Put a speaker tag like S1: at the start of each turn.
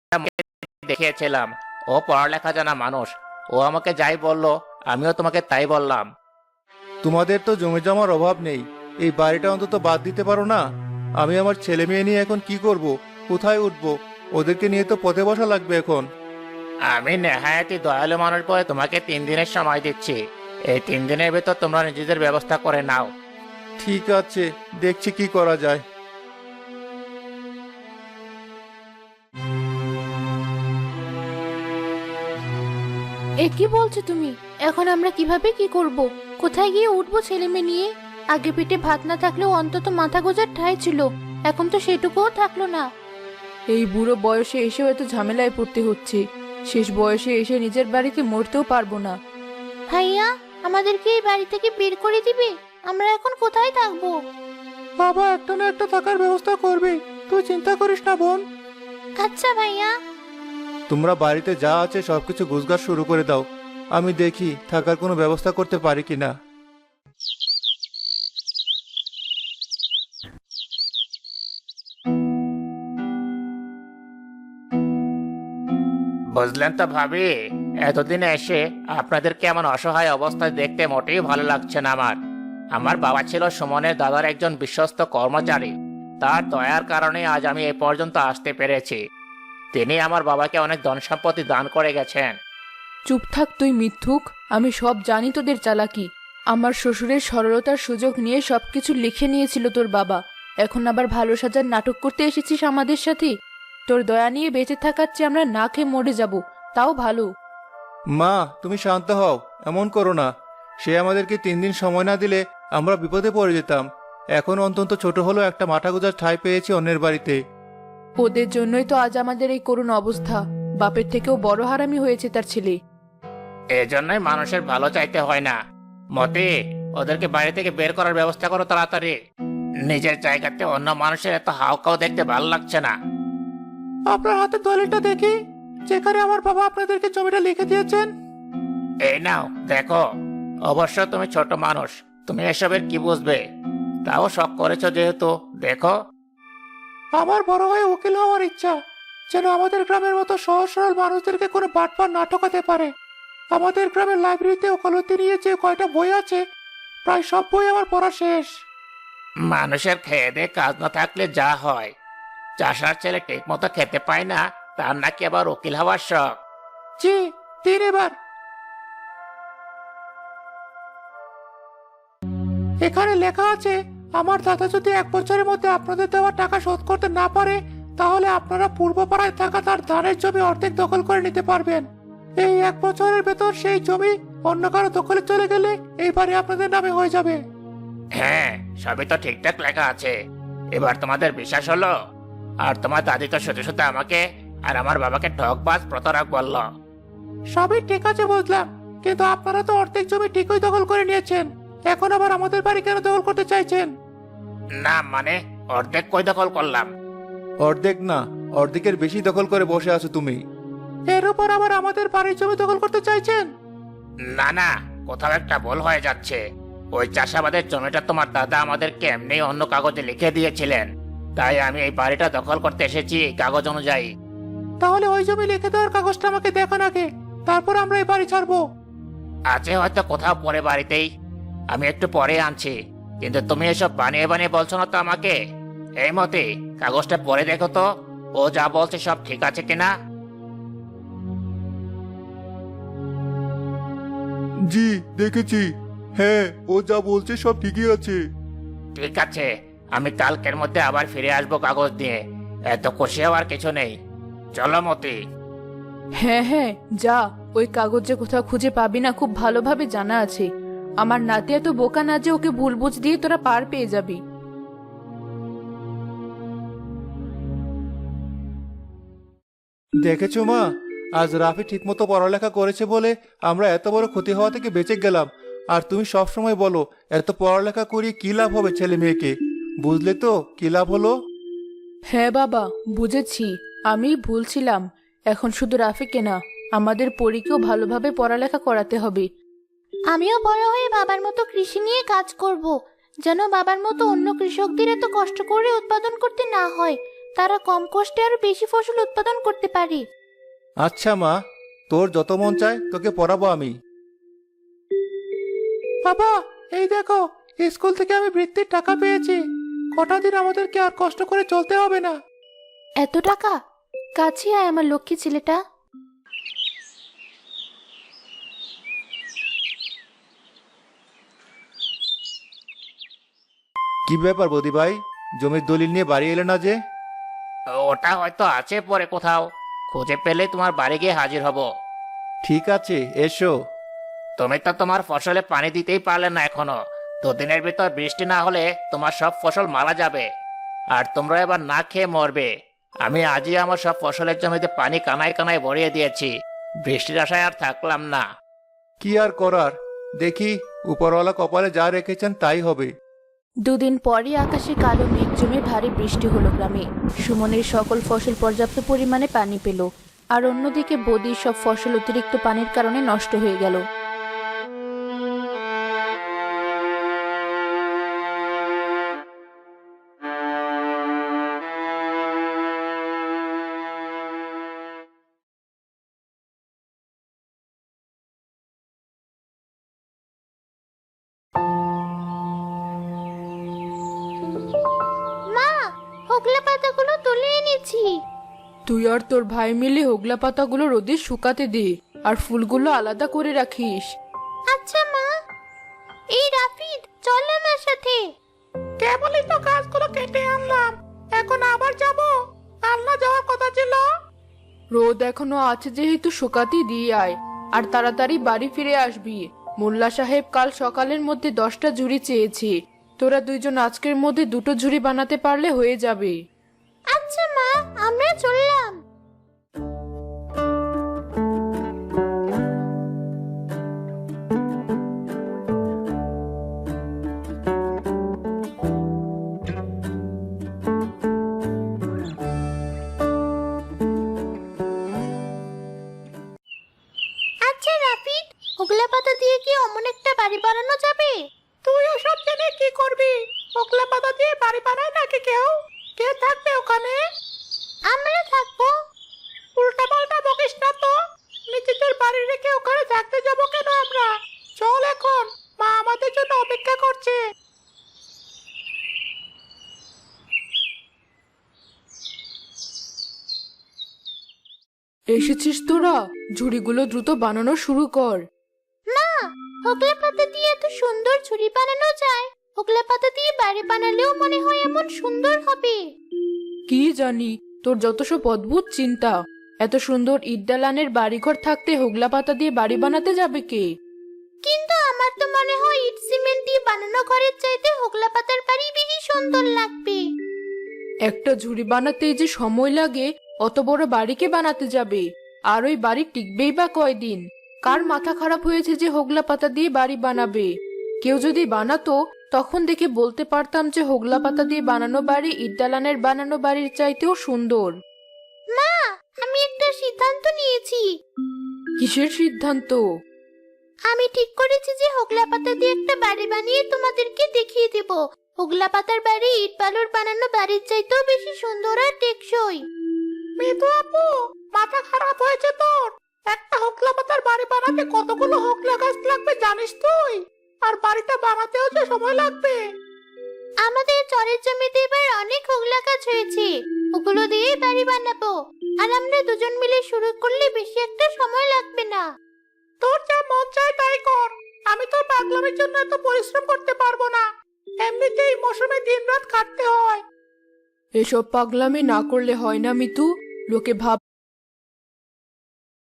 S1: দেখিয়েছিলাম ও পড়ালেখা জানা মানুষ। ও আমাকে যাই বললো আমিও তোমাকে তাই বললাম।
S2: তোমাদের তো জমি জমার অভাব নেই, এই বাড়িটা অন্তত বাদ দিতে পারো না? আমি আমার ছেলে মেয়ে নিয়ে এখন কি করব, কোথায় উঠবো? ওদেরকে নিয়ে তো পথে বসা লাগবে এখন।
S1: আমি নেহায়াতি দয়ালু মানুষ বলে তোমাকে 3 দিনের সময় দিচ্ছি। এই 3 দিনের ভেতর তোমরা নিজেদের ব্যবস্থা করে নাও।
S2: ঠিক আছে, দেখছি কি করা যায়।
S3: এ কি বলছো তুমি? এখন আমরা কিভাবে কি করব? কোথায় গিয়ে উঠবো ছেলে মেয়ে নিয়ে? আগে পেটে ভাত না থাকলেও অন্তত মাথা গোঁজার ঠাঁই ছিল, এখন তো সেটুকুও থাকলো না।
S4: এই বুড়ো বয়সে এসেও এত ঝামেলায় পড়তে হচ্ছে। শেষ বয়সে এসে নিজের বাড়িতে মরতেও পারবো না।
S3: ভাইয়া, আমাদেরকে এই বাড়ি থেকে বের করে দিবে? আমরা এখন কোথায় থাকবো?
S2: বাবা একটা না একটা থাকার ব্যবস্থা করবে, তুই চিন্তা করিস না বোন।
S3: আচ্ছা ভাইয়া।
S2: তোমরা বাড়িতে যা আছে সবকিছু গুছগাছ শুরু করে দাও, আমি দেখি থাকার কোনো ব্যবস্থা করতে পারি কিনা।
S1: বুঝলেন তো ভাবি, এতদিনে এসে আপনাদের কেমন অসহায় অবস্থায় দেখতে মোটেই ভালো লাগছে না আমার। আমার বাবা ছিল সুমনের দাদার একজন বিশ্বস্ত কর্মচারী। তার দয়ার কারণে আজ আমি এ পর্যন্ত আসতে পেরেছি। তিনি আমার বাবাকে অনেক ধন সম্পত্তি দান করে গেছেন।
S4: চুপ থাক তুই মিথ্যুক, আমি সব জানি তোদের চালাকি। আমার শ্বশুরের সরলতার সুযোগ নিয়ে সবকিছু লিখে নিয়েছিল তোর বাবা। এখন আবার ভালো সাজার নাটক করতে এসেছিস আমাদের সাথে? তোর দয়া নিয়ে বেঁচে থাকার চেয়ে আমরা না খেয়ে মরে যাব, তাও ভালো।
S2: মা তুমি শান্ত হও, এমন করো না। সে আমাদেরকে 3 দিন সময় না দিলে আমরা বিপদে পড়ে যেতাম। এখন অন্তত ছোট হলো একটা মাথা গোঁজার ঠাঁই পেয়েছি অন্যের বাড়িতে।
S4: ওদের জন্যই তো আজ আমাদের এই করুণ অবস্থা। বাপের থেকেও বড় হারামি হয়েছে তার ছেলে।
S1: এজন্যই মানুষের ভালো চাইতে হয় না। মতি, ওদেরকে বাড়ি থেকে বের করার ব্যবস্থা করো তাড়াতাড়ি। নিজের জায়গাতে অন্য মানুষের এত হাউকাও দেখতে ভালো লাগছে না।
S2: আপনার হাতে দলিলটা দেখি, যেখানে আমার বাবা আপনাদেরকে জমিটা লিখে দিয়েছেন।
S1: এই নাও দেখো। অবশ্য তুমি ছোট মানুষ, তুমি এসবের কি বুঝবে? তাও শখ করেছো যেহেতু দেখো।
S2: আমার বড় হয়ে উকিল হওয়ার ইচ্ছা, যেন আমাদের গ্রামের মতো সহজ সরল মানুষদেরকে কোনো বাটপার না ঠকাতে পারে। আমাদের গ্রামের লাইব্রেরিতে ওকালতি নিয়ে যে কয়টা বই আছে, প্রায় সব বই আমার পড়া শেষ।
S1: মানুষের খেয়ে দিয়ে কাজ না থাকলে যা হয়। চাষার ছেলে ঠিক মতো খেতে পায় না, তার নাকি আবার উকিল হওয়ার শখ।
S2: জি, দিন এবার। এখানে লেখা আছে, আমার দাদা যদি 1 বছরের মধ্যে আপনাদের দেওয়া টাকা শোধ করতে না পারে, তাহলে আপনারা পূর্বপাড়ায় থাকা তার ধানের জমি অর্ধেক দখল করে নিতে পারবেন। এই 1 বছরের ভেতর সেই জমি অন্য কারো দখলে চলে গেলে এই বাড়ি আপনাদের নামে হয়ে যাবে।
S1: হ্যাঁ, সবই তো ঠিকঠাক লেখা আছে। এবার তোমাদের বিশ্বাস হলো? আর তোমার দাদি তো শুধু শুধু আমাকে আর আমার বাবাকে ঠকবাজ প্রতারক বলল।
S2: সবই ঠিক আছে বুঝলাম, কিন্তু আপনারা তো অর্ধেক জমি ঠিকই দখল করে নিয়েছেন, এখন আবার আমাদের বাড়ি কেন দখল করতে চাইছেন?
S1: না মানে, অর্ধেক কই দখল করলাম?
S2: অর্ধেক না, অর্ধেকের বেশি দখল করে বসে আছো তুমি। এর উপর আবার আমাদের বাড়ির জমি দখল করতে চাইছেন?
S1: না না, কোথাও একটা ভুল হয়ে যাচ্ছে। ওই চাষাবাদের জমিটা তোমার দাদা আমাদেরকে এমনি অন্য কাগজে লিখে দিয়েছিলেন, তাই আমি এই বাড়িটা দখল করতে এসেছি এই কাগজ অনুযায়ী।
S2: তাহলে ওই জমি লিখে দেওয়ার কাগজটা আমাকে দেখান আগে, তারপর আমরা এই বাড়ি ছাড়বো।
S1: আছে হয়তো কোথাও পরে বাড়িতেই, আমি একটু পরে আনছি। কিন্তু তুমি এসব বানিয়ে বানিয়ে বলছো না তো আমাকে। এই মতে কাগজটা পরে দেখো তো, ও যা বলছে সব ঠিক আছে কিনা।
S2: জি দেখেছি, হ্যাঁ ও যা বলছে সব ঠিকই আছে।
S1: ঠিক আছে, আমি কালকের মধ্যে আবার ফিরে আসবো কাগজ দিয়ে। এত খুশি হওয়ার কিছু নেই, চলো মতি।
S4: হ্যাঁ হ্যাঁ যা, ওই কাগজে কোথাও খুঁজে পাবি না খুব ভালোভাবে জানা আছে। আমার নাতি এত বোকা না যে ওকে ভুল বুঝ দিয়ে তোরা পার পেয়ে যাবি।
S2: দেখেছো মা, আজ রাফি ঠিকমতো পড়ালেখা করেছে বলে আমরা এত বড় ক্ষতি হওয়া থেকে বেঁচে গেলাম। আর তুমি সব সময় বলো এত পড়ালেখা করিয়ে কি লাভ হবে ছেলে মেয়েকে, বুঝলে তো কি লাভ হলো?
S4: হ্যাঁ বাবা, বুঝেছি, আমি ভুল ছিলাম। এখন শুধু রাফিকে না, আমাদের পরীকেও ভালোভাবে পড়ালেখা করাতে হবে।
S3: আমিও বড় হয়ে বাবার মতো কৃষি নিয়ে কাজ করব, যেন বাবার মতো অন্য কৃষকদের এত কষ্ট করে উৎপাদন করতে না হয়। তারা কম কষ্টে আরো বেশি ফসল উৎপাদন করতে পারে।
S2: আচ্ছা মা, তোর যত মন চায় তোকে পড়াবো আমি। বাবা, এই দেখো, স্কুল থেকে আমি বৃত্তির টাকা পেয়েছি। কটা দিন আমাদেরকে আর কষ্ট করে চলতে হবে না।
S3: এত টাকা? কাছে আয় আমার লক্ষ্মী ছেলেটা।
S2: কি ব্যাপার বৌদি ভাই, জমির দলিল নিয়ে বাড়ি এলে না যে?
S1: ওটা হয়তো আছে পরে কোথাও, খুঁজে পেলে তোমার বাড়ি গিয়ে হাজির হব।
S2: ঠিক আছে, এসো।
S1: তুমি তো তোমার ফসলে পানি দিতেই পারলে না এখনো। দুদিনের ভিতর বৃষ্টি না হলে তোমার সব ফসল মারা যাবে, আর তোমরা এবার না খেয়ে মরবে। আমি আজই আমার সব ফসলের জমিতে পানি কানায় কানায় ভরিয়ে দিয়েছি। বৃষ্টির আশায় আর থাকলাম না।
S2: কি আর করার, দেখি উপরওয়ালা কপালে যা রেখেছেন তাই হবে।
S3: দুদিন পরই আকাশে কালো মেঘ জমে ভারী বৃষ্টি হলো গ্রামে। সুমনের সকল ফসল পর্যাপ্ত পরিমাণে পানি পেল, আর অন্যদিকে বদির সব ফসল অতিরিক্ত পানির কারণে নষ্ট হয়ে গেল। মা, হোগলা পাতাগুলো তুলে এনেছি।
S4: তুই আর তোর ভাই মিলে হোগলা পাতাগুলো রোদে শুকাতে দে, আর ফুলগুলো আলাদা করে রাখিস।
S3: আচ্ছা মা। এই রাফিদ, চল আমার সাথে।
S2: কেবলই তো গাছগুলো কেটে আনলাম, এখন আবার যাব? কাল না যাওয়ার কথা ছিল।
S4: রোদ এখনো আছে যেহেতু শুকাতে দিয়ে আয়, আর তাড়াতাড়ি বাড়ি ফিরে আসবি। মোল্লা সাহেব কাল সকালের মধ্যে 10টা ঝুড়ি চেয়েছে। তোরা দুইজন আজকের মধ্যে 2টো ঝুড়ি বানাতে পারলে হয়ে যাবে।
S3: আচ্ছা মা, আমরা চললাম। আচ্ছা রাফিদ, হোগলা পাতা দিয়ে কি অমন একটা বাড়ি বানানো যাবে?
S2: তুই ওসব জেনে কি করবি? ওকলা পাতা দিয়ে বাড়ি বানায় নাকি কেউ? কে থাকবে ওখানে?
S3: আমরা থাকবো।
S2: উল্টা পাল্টা বকিস না তো। নিজেদের বাড়ি রেখে ওখানে থাকতে যাব কেন আমরা? চল এখন, মা আমাদের জন্য অপেক্ষা করছে।
S4: এসেছিস তোরা? ঝুড়িগুলো দ্রুত বানানো শুরু কর।
S3: মা, হোগলা পাতা দিয়ে এত সুন্দর ঝুড়ি বানানো যায়। হোগলা পাতা দিয়ে বাড়ি বানালেও মনে হয় এমন সুন্দর হবে।
S4: কি জানি, তোর যত সব অদ্ভুত চিন্তা। এত সুন্দর ইট দালানের বাড়িঘর থাকতে হোগলা পাতা দিয়ে বাড়ি বানাতে যাবে কে?
S3: কিন্তু আমার তো মনে হয় ইট সিমেন্ট দিয়ে বানানো ঘরের চাইতে হোগলা পাতার বাড়ি বেশি সুন্দর লাগবে।
S4: একটা ঝুড়ি বানাতেই যে সময় লাগে, অত বড় বাড়িকে বানাতে যাবে? আর ওই বাড়ি টিকবেই বা কয়দিন? কার মাথা খারাপ হয়েছে যে হোগলা পাতা দিয়ে বাড়ি বানাবে? কেউ যদি বানাতো তখন দেখে বলতে পারতাম যে হোগলা পাতা দিয়ে বানানো বাড়ি ইট দালানের বানানো বাড়ির চাইতেও সুন্দর।
S3: মা, আমি একটা সিদ্ধান্ত নিয়েছি।
S4: কিসের সিদ্ধান্ত?
S3: আমি ঠিক করেছি যে হোগলা পাতা দিয়ে একটা বাড়ি বানিয়ে তোমাদেরকে দেখিয়ে দেব। হোগলা পাতার বাড়ি ইট বালুর বানানো বাড়ির চাইতেও বেশি সুন্দর আর টেকসই।
S2: মিতু আপু, মাথা খারাপ হয়েছে তোর? একটা হোগলা পাতার বাড়ি বানাতে কতগুলো হোগলা গাছ লাগবে জানিস তুই? আর বাড়িটা বানাতেও যে সময় লাগবে।
S3: আমাদের চরের জমিতে এবার অনেক হোগলা গাছ হয়েছে, ওগুলো দিয়ে বাড়ি বানাবো। আর আমরা দুজন মিলে শুরু করলে বেশি একটা সময় লাগবে না।
S2: তোর যা মন চায় তাই কর, আমি তোর পাগলামির জন্য এত পরিশ্রম করতে পারবো না। এমনিতেই মৌসুমে দিনরাত কাটতে হয়।
S4: এসব পাগলামি না করলে হয় না মিতু। লোকে ভাব